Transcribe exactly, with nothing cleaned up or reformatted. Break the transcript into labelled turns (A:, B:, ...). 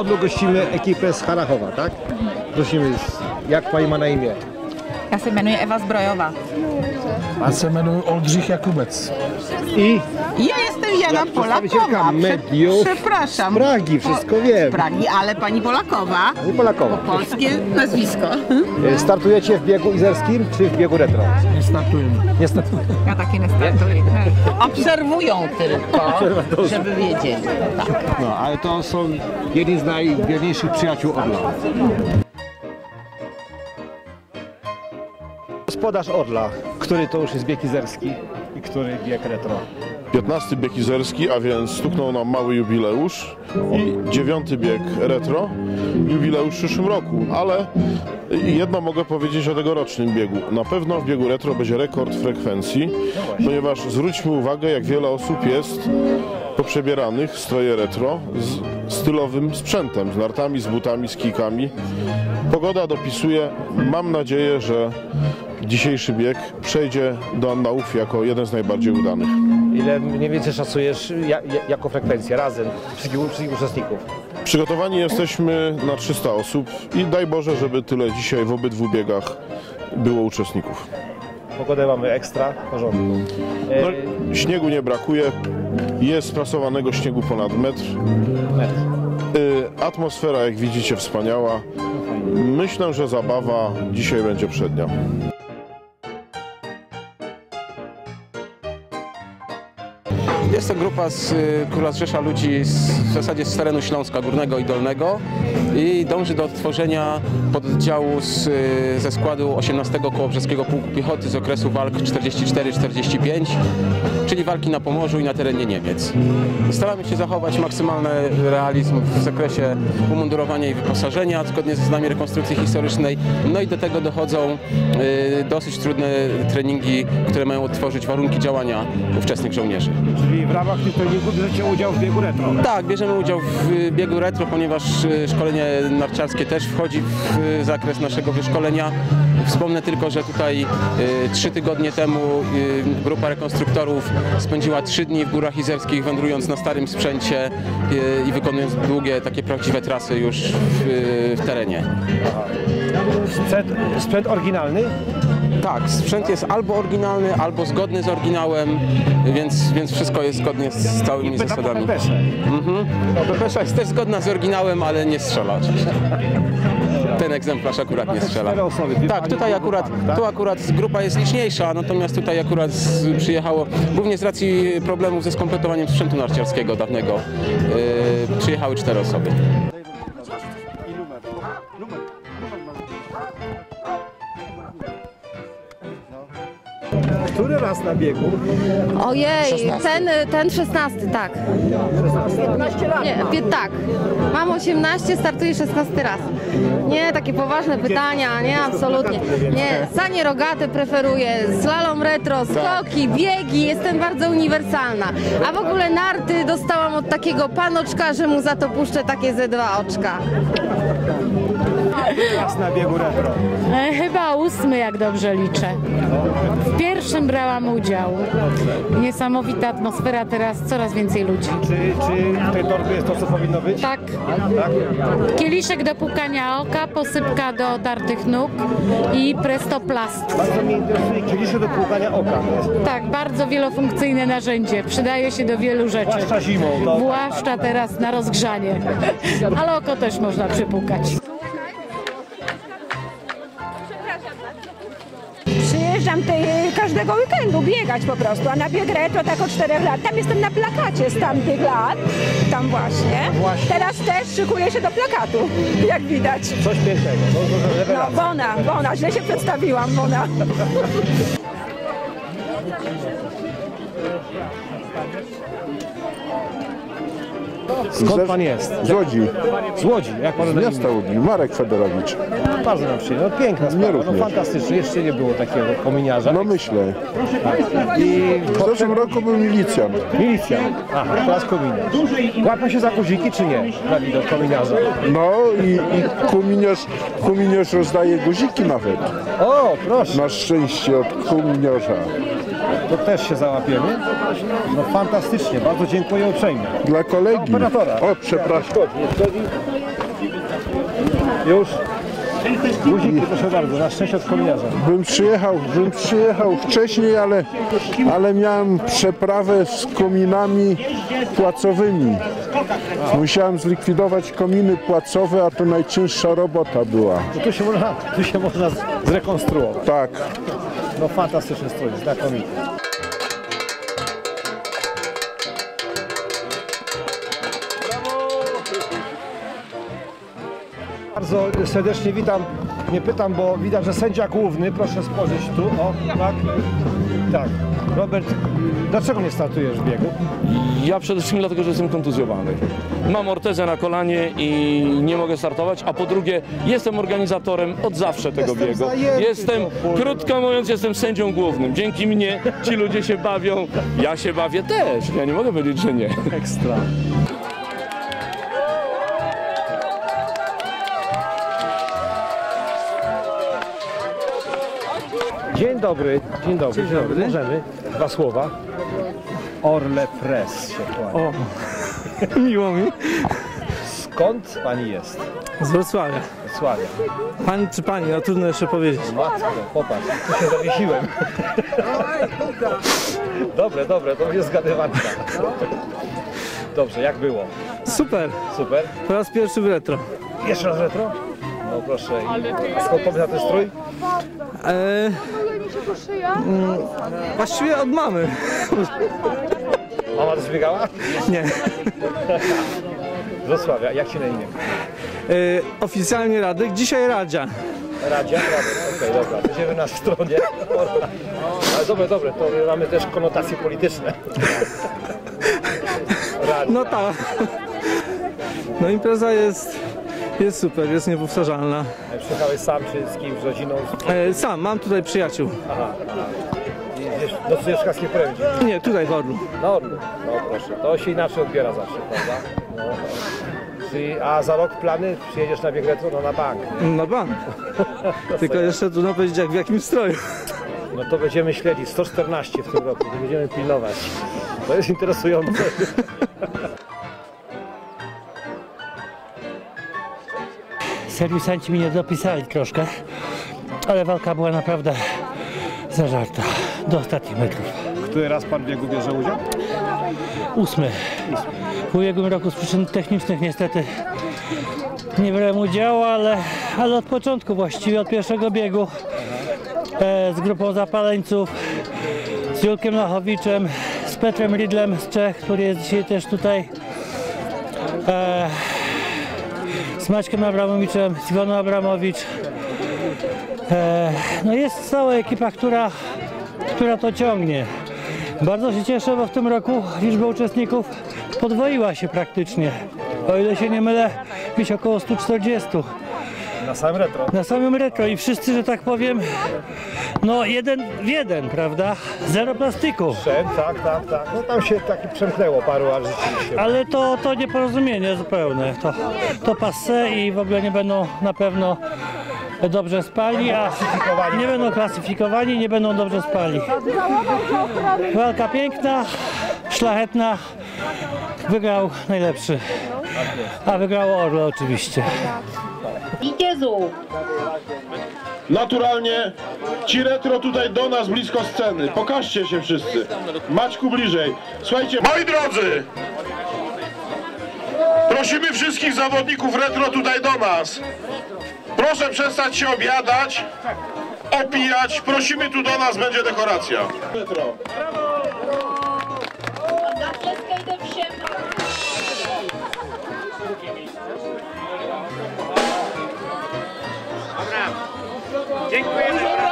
A: Odlu gościmy ekipę z Harachowa, tak? Prosimy, jak pani ma na imię?
B: Já se jmenuji Eva Zbrojová.
C: Já se jmenuji Oldřich Jakubec.
A: I
B: Ja jestem Jana Polakowa.
A: mediów
B: Przepraszam.
A: z Pragi, wszystko wiem.
B: Z Pragi, ale pani Polakowa.
A: Pani Polakowa.
B: Polskie nazwisko.
A: Startujecie w biegu izerskim czy w biegu retro?
C: Nie startujemy.
A: Nie startujemy.
B: Ja takie nie startuję. Obserwują tylko, żeby wiedzieli. Tak.
A: No, ale to są jedni z najwierniejszych przyjaciół Orla. Gospodarz Orla, który to już jest bieg izerski i który bieg retro?
D: piętnasty bieg izerski, a więc stuknął nam mały jubileusz i dziewiąty bieg retro, jubileusz w przyszłym roku, ale jedno mogę powiedzieć o tegorocznym biegu. Na pewno w biegu retro będzie rekord frekwencji, ponieważ zwróćmy uwagę, jak wiele osób jest poprzebieranych w stroje retro z stylowym sprzętem, z nartami, z butami, z kijkami. Pogoda dopisuje, mam nadzieję, że dzisiejszy bieg przejdzie do annałów jako jeden z najbardziej udanych.
A: Ile mniej więcej szacujesz ja, jako frekwencję razem wszystkich, wszystkich uczestników?
D: Przygotowani jesteśmy na trzysta osób i daj Boże, żeby tyle dzisiaj w obydwu biegach było uczestników.
A: Pogodę mamy ekstra, w porządku.
D: No, śniegu nie brakuje, jest sprasowanego śniegu ponad metr.
A: Metr.
D: Y, Atmosfera, jak widzicie, wspaniała. Myślę, że zabawa dzisiaj będzie przednia.
E: Jest to grupa, z, która zrzesza ludzi z, w zasadzie z terenu Śląska Górnego i Dolnego i dąży do odtworzenia pododdziału z, ze składu osiemnastego Kołobrzeskiego Pułku Piechoty z okresu walk czterdzieści cztery czterdzieści pięć, czyli walki na Pomorzu i na terenie Niemiec. Staramy się zachować maksymalny realizm w zakresie umundurowania i wyposażenia, zgodnie ze znami rekonstrukcji historycznej, no i do tego dochodzą y, dosyć trudne treningi, które mają odtworzyć warunki działania ówczesnych żołnierzy.
A: Czyli w ramach tych treningów bierzecie udział w biegu retro?
E: Tak, bierzemy udział w biegu retro, ponieważ szkolenie narciarskie też wchodzi w zakres naszego wyszkolenia. Wspomnę tylko, że tutaj trzy tygodnie temu y, grupa rekonstruktorów spędziła trzy dni w Górach Izerskich, wędrując na starym sprzęcie y, i wykonując długie, takie prawdziwe trasy już w, y, w terenie.
A: Aha. Sprzęt, sprzęt oryginalny?
E: Tak, sprzęt jest albo oryginalny, albo zgodny z oryginałem, więc, więc wszystko jest zgodnie z całymi zasadami. Mhm. No, Pepesza jest też zgodna z oryginałem, ale nie strzela oczywiście. Ten egzemplarz akurat nie strzela. Tak, tutaj akurat, tu akurat grupa jest liczniejsza, natomiast tutaj akurat z, przyjechało, głównie z racji problemów ze skompletowaniem sprzętu narciarskiego dawnego, yy, przyjechały cztery osoby.
A: Który raz na biegu?
F: Ojej, ten, ten szesnasty, tak.
A: piętnaście lat.
F: Nie, pie, tak. Mam osiemnaście, startuję szesnasty raz. Nie, takie poważne pytania, nie, absolutnie. Nie, sanie rogate preferuję, slalom retro, skoki, biegi, jestem bardzo uniwersalna. A w ogóle narty dostałam od takiego panoczka, że mu za to puszczę takie ze dwa oczka.
A: Raz na biegu retro.
G: E, chyba ósmy, jak dobrze liczę. W pierwszym brałam udział. Niesamowita atmosfera, teraz coraz więcej ludzi.
A: Czy, czy w tej torbie jest to, co powinno być?
G: Tak.
A: Tak?
G: Kieliszek do pukania oka, posypka do tartych nóg i prestoplast.
A: Bardzo mnie interesuje kieliszek do płukania oka.
G: Tak, bardzo wielofunkcyjne narzędzie. Przydaje się do wielu rzeczy.
A: Zwłaszcza zimą. To...
G: Zwłaszcza teraz na rozgrzanie. Ale oko też można przypukać.
H: Przyjeżdżam tej, każdego weekendu biegać po prostu, a na bieg retro tak od czterech lat. Tam jestem na plakacie z tamtych lat, tam właśnie.
A: właśnie.
H: Teraz też szykuję się do plakatu, jak widać.
A: Coś pięknego. No,
H: no Bona, Bona, źle się przedstawiłam, Bona.
A: Skąd pan jest?
I: Z Łodzi.
A: Z Łodzi, jak pan
I: Z miasta Łodzi. Marek Fedorowicz.
A: Bardzo nam przyjemno. No, piękna sprawa, no fantastycznie. Jeszcze nie było takiego kominiarza.
I: No myślę.
A: Tak. I
I: w zeszłym roku był milicjant.
A: Milicjant. Aha, teraz kominiarz. Łapią się za guziki, czy nie? Na widok kominiarza.
I: No i, i kominiarz, kominiarz rozdaje guziki nawet.
A: O, proszę.
I: Na szczęście od kominiarza.
A: To też się załapiemy. No fantastycznie, bardzo dziękuję uprzejmie.
I: Dla kolegi.
A: Operatora.
I: O, przepraszam.
A: Już. Guziki, proszę bardzo, na szczęście od kominiarza.
I: Bym przyjechał, bym przyjechał wcześniej, ale, ale miałem przeprawę z kominami płacowymi. Musiałem zlikwidować kominy płacowe, a to najcięższa robota była.
A: No tu się można, tu się można zrekonstruować.
I: Tak.
A: No fantastyczny strój, znakomity. Bardzo serdecznie witam. Nie pytam, bo widać, że sędzia główny, proszę spojrzeć tu, o, tak, tak. Robert, dlaczego nie startujesz w biegu?
J: Ja przede wszystkim dlatego, że jestem kontuzjowany. Mam ortezę na kolanie i nie mogę startować, a po drugie jestem organizatorem od zawsze tego
A: Jestem
J: biegu.
A: zajęty,
J: Jestem,
A: to
J: krótko mówiąc, jestem sędzią głównym. Dzięki mnie ci ludzie się bawią, ja się bawię też. Ja nie mogę powiedzieć, że nie.
A: Ekstra. Dzień dobry, dzień dobry. Dzień dobry. Możemy dwa słowa. Orle Press się kłania.
K: O, miło mi.
A: Skąd pani jest?
K: Z Wrocławia.
A: Sławia.
K: Pan czy pani? No trudno jeszcze powiedzieć.
A: Matko, popatrz, tu się zawiesiłem. Dobre, dobre, to będzie zgadywanka. Dobrze, jak było?
K: Super.
A: Super.
K: Po raz pierwszy w retro.
A: Jeszcze raz retro? No proszę. I skąd pomysł na ten strój?
K: Eee, mm, właściwie od mamy.
A: Mama też biegała?
K: Nie.
A: Z Wrocławia. Jak się na imię?
K: Eee, oficjalnie Radek, dzisiaj Radzia.
A: Radzia? Radek. Okej, okay, dobra. Będziemy na stronie. Ale dobre, dobre. To mamy też konotacje polityczne. Radzia.
K: No tak. No impreza jest, jest super, jest niepowtarzalna.
A: Przyjechałeś sam czy z kimś, z rodziną?
K: Eee, sam, mam tutaj przyjaciół.
A: Aha. Nocujesz w Kaskiej Prędzi?
K: Nie, tutaj w Orlu.
A: Na Orlu. No proszę, to się inaczej odbiera zawsze, prawda? No. Czyli, a za rok plany? Przyjedziesz na bieg retro? No na bank.
K: Na bank. Tylko jeszcze trudno powiedzieć, jak w jakim stroju.
A: No to będziemy śledzić. sto czternaście w tym roku. Będziemy pilnować. To jest interesujące.
L: Serwisanci mi nie dopisali troszkę, ale walka była naprawdę zażarta do ostatnich metrów.
A: Który raz pan w biegu bierze udział?
L: Ósmy. W ubiegłym roku z przyczyn technicznych niestety nie brałem udziału, ale, ale od początku właściwie, od pierwszego biegu e, z grupą zapaleńców, z Julkiem Lachowiczem, z Petrem Ridlem z Czech, który jest dzisiaj też tutaj, e, z Maćkiem Abramowiczem, z Iwoną Abramowicz. E, no jest cała ekipa, która, która to ciągnie. Bardzo się cieszę, bo w tym roku liczba uczestników podwoiła się praktycznie. O ile się nie mylę, gdzieś około stu czterdziestu.
A: Na samym retro?
L: Na samym retro i wszyscy, że tak powiem, no jeden w jeden, prawda? Zero plastiku.
A: Przem, tak, tak, tak. No tam się taki przemknęło paru, ale rzeczywiście.
L: Ale to, to nieporozumienie zupełne. To, to passe i w ogóle nie będą na pewno dobrze spali, a nie będą klasyfikowani, nie będą dobrze spali. Walka piękna, szlachetna, wygrał najlepszy, a wygrało Orle oczywiście.
D: Naturalnie ci retro tutaj do nas blisko sceny. Pokażcie się wszyscy. Maćku bliżej. Słuchajcie, moi drodzy, prosimy wszystkich zawodników retro tutaj do nas. Proszę przestać się obiadać, opijać. Prosimy tu do nas, będzie dekoracja. Retro.
M: Dziękujemy.